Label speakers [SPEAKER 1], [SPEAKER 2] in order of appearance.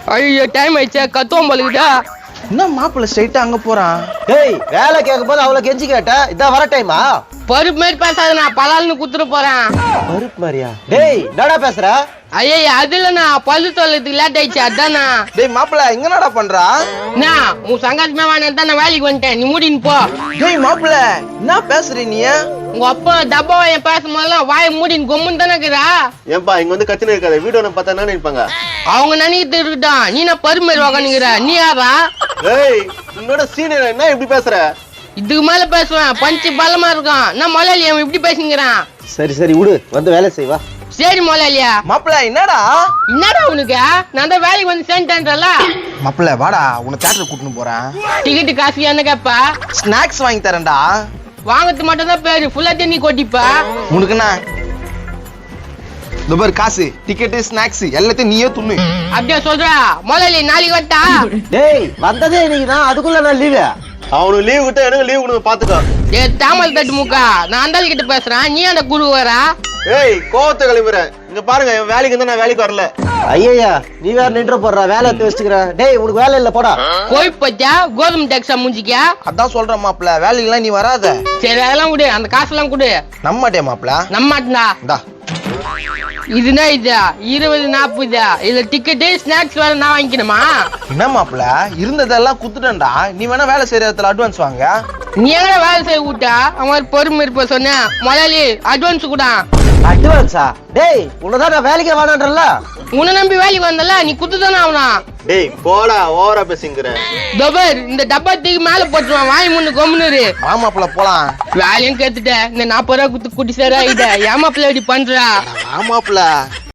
[SPEAKER 1] ஐயோ டைம் ஆயிடுச்சா கத்துவோம் போலுக்குதா.
[SPEAKER 2] என்ன மாப்பிள்ள ஸ்ட்ரைட்டா அங்க போறான்?
[SPEAKER 3] டேய் வேலை கேட்கும் போது அவளை கெஞ்சி கேட்ட இதான் வர டைமா?
[SPEAKER 1] பருப்பு மாதிரி பேசாத, நான் பலால்னு குத்துட்டு போறேன்.
[SPEAKER 3] பருப்பு மாதிரியா? டேய் என்னடா பேசுற?
[SPEAKER 1] ஐயா அது இல்லண்ணா, பல்லு தொல்லத்துக்கு லேட் ஆயிடுச்சு அதானா.
[SPEAKER 2] டேய் மாப்பிள்ள இங்க என்னடா பண்றா?
[SPEAKER 1] நான் உன் சங்காத்தமே வாங்க தான் நான் வேலைக்கு வந்துட்டேன், நீ மூடின்னு போ.
[SPEAKER 2] டேய் மாப்பிள்ள என்ன பேசுற நீ?
[SPEAKER 1] உங்க அப்பா டப்பாவை என் பேசும்போதெல்லாம் வாயை மூடின்னு கொம்முன்னு தானே இருக்குதா.
[SPEAKER 3] ஏன்பா இங்க வந்து கத்தின இருக்காது வீடியோ நம்ம பார்த்தா என்ன நினைப்பாங்க?
[SPEAKER 1] அவங்க நினைக்கிட்டு இருக்கட்டும், நீ நான் பருப்பு மாதிரி உக்காந்துக்கிற, நீ யாரா?
[SPEAKER 3] டேய் உன்னோட சீனியர் என்ன இப்படி பேசுற?
[SPEAKER 1] இதுக்கு மேல பேசுவேன், பஞ்சு பலமா இருக்கும். நான் முதலாளி அவன் இப்படி பேசுங்கிறான்.
[SPEAKER 3] சரி சரி விடு, வந்து வேலை செய்வா.
[SPEAKER 1] சரி முதலாளியா.
[SPEAKER 2] மாப்பிள்ள என்னடா?
[SPEAKER 1] என்னடா உனக்கு, நான் தான் வேலைக்கு வந்து சேர்ந்துட்டேன்றல.
[SPEAKER 2] மாப்பிள்ள வாடா, உன்னை தியேட்டர் கூட்டிட்டு போறேன்.
[SPEAKER 1] டிக்கெட்டு காசு என்ன கேப்பா?
[SPEAKER 2] ஸ்நாக்ஸ் வாங்கி தரேன்டா.
[SPEAKER 1] வாங்கறது மட்டும் தான் பேரு, ஃபுல்லா தண்ணி கொட்டிப்பா.
[SPEAKER 2] உனக்குண்ணா இந்த பாரு காசு, டிக்கெட்டு, ஸ்நாக்ஸ் எல்லாத்தையும் நீயே துண்ணு.
[SPEAKER 1] அப்படியே சொல்றா முதலாளி, நாளைக்கு வட்டா.
[SPEAKER 3] டேய் வந்ததே இன்னைக்கு தான், அதுக்குள்ள நான் லீவு. அவனுக்கு லீவ் விட்டா எனக்கு லீவ் கொடுங்க பாத்துக்கோ.
[SPEAKER 1] ஏ தாமல் தட்டு முக்கா, நான் அந்த கிட்ட பேசுறேன், நீ அந்த குரு வரா.
[SPEAKER 3] ஏய் கோவத்தை கிளம்புறேன். இங்க பாருங்க என் வேலைக்கு வந்து நான் வேலைக்கு வரல. ஐயா நீ வேற நின்று போடுற, வேலை எடுத்து வச்சுக்கிறேன். டேய் உனக்கு வேலை இல்ல போடா.
[SPEAKER 1] கோய் பச்சா கோதுமை டேக்ஸா முடிஞ்சிக்கா.
[SPEAKER 2] அதான் சொல்றேன் மாப்பிள்ள, வேலைக்கெல்லாம் நீ வராத.
[SPEAKER 1] சரி அதெல்லாம் கொடு, அந்த காசெல்லாம் கொடு.
[SPEAKER 2] நம்மட்டே மாப்பிள்ள.
[SPEAKER 1] நம்மாட்டா
[SPEAKER 2] இந்தா
[SPEAKER 1] இதுனா இதா 20 40 இதுல டிக்கெட்டு ஸ்நாக்ஸ் வேற நான் வாங்கிக்கணுமா?
[SPEAKER 2] என்ன மாப்பிள்ள இருந்ததெல்லாம் குத்துட்டேன்டா, நீ வேணா வேலை செய்யற இடத்துல அட்வான்ஸ் வாங்க.
[SPEAKER 1] நீ எங்க வேலை செய்ய விட்டா அவன் பொறுமை இருப்ப சொன்ன முதலாளி அட்வான்ஸ் கூட.
[SPEAKER 3] அட்வான்ஸா? டேய் உன்னதான் நான் வேலைக்கு வேணான்றல.
[SPEAKER 1] உன்னை நம்பி வேலைக்கு வந்தல, நீ குத்துதானே ஆகனா.
[SPEAKER 3] டேய் போடா, ஓவரா பேசிங்கற.
[SPEAKER 1] தபர் இந்த டப்பா தூக்கி மேல போட்டுருவான், வாய் முன்னு கொம்முனு.
[SPEAKER 2] ஆமாப்ல போலாம்.
[SPEAKER 1] வேலையும் கேட்டுட்ட, இந்த 40 ரூபா குத்து குட்டி சேரா இத ஏமாப்பிள்ள இப்படி பண்றா.
[SPEAKER 2] ஆமாப்ல